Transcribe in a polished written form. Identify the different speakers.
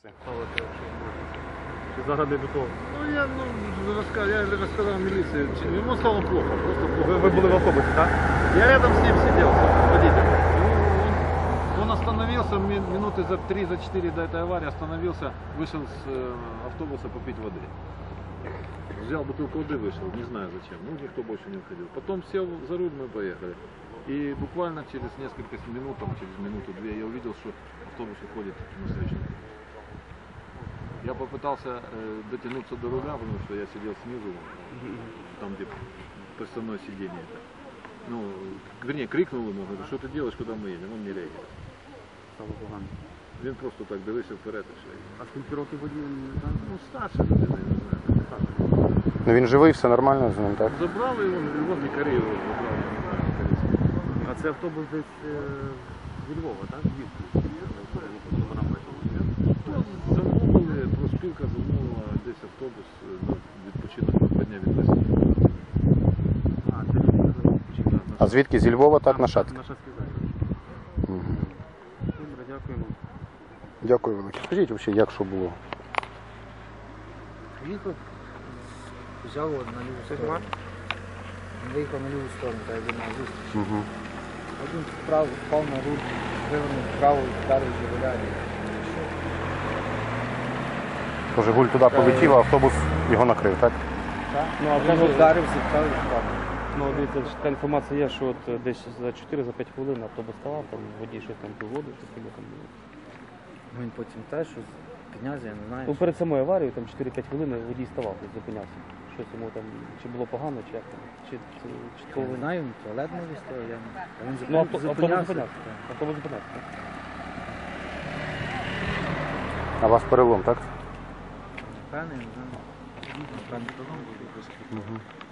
Speaker 1: Зараз не до того.
Speaker 2: Ну, я рассказал милиции, ему стало плохо, просто плохо.
Speaker 1: Ви були в автобусі, так?
Speaker 2: Я рядом с ним сидел, с водителем. Он остановился минуты за 3-4 до этой аварии, остановился, вышел с автобуса попить воды. Взял бутылку воды, вышел, не знаю зачем, ну никто больше не уходил. Потом сел за руль, мы поехали. И буквально через несколько минут, через минуту-две я увидел, что автобус уходит на встречную. Я попытался дотянуться до руля, потому что я сидел снизу, там где подставное сиденье. Ну, вернее, крикнул ему, говорю, что ты делаешь, куда мы едем, он не реагирует.
Speaker 1: Стало погано.
Speaker 2: Він просто так дивився вперед і все.
Speaker 1: А скільки років водію не знаю?
Speaker 2: Ну, старша людина, я не знаю.
Speaker 3: Ну він живий, все нормально з ним, так?
Speaker 2: Забрали його, його лікарі його забрали, не знаю.
Speaker 1: А це автобус десь зі Львова, так? Звідки?
Speaker 2: То замовили, профспілка замовила десь автобус на відпочинок на 2 дня відвезти.
Speaker 1: А, це відпочинок.
Speaker 3: А звідки? Зі Львова, так, на Шацьке?
Speaker 1: На Шацький захід. Добре, дякуємо.
Speaker 3: Дякую велике. Скажіть взагалі, як що було?
Speaker 4: Їхав, взяв на ліву сторону. Він виїхав на ліву сторону, так як він на зустріч.
Speaker 3: Угу.
Speaker 4: Один вправо, впав на руль, вивернув вправо і вдарив Жигуля.
Speaker 3: То Жигуль туди полетів, а автобус його накрив, так?
Speaker 1: Ну, а
Speaker 4: Він
Speaker 1: каже,
Speaker 4: вдарив, зіткав і впав.
Speaker 1: ну, дивіться, така інформація є, що от десь за 4-5 хвилин автобус ставав, там водій щось там пив воду, таке там було.
Speaker 4: Він потім теж щось піднявся, я не знаю.
Speaker 1: Ну, перед самою аварією, там 4-5 хвилин водій ставав, десь зупинявся. Щось йому там, чи було погано, чи як там, чи
Speaker 4: Я не знаю, він в туалет не вистояв, я не... А він
Speaker 1: Ну, автобус
Speaker 4: зупинявся.
Speaker 1: зупинявся. Автобус зупинявся, так.
Speaker 3: А у вас перелом, так?
Speaker 4: Певний, не знаю. Напевно,
Speaker 3: Угу.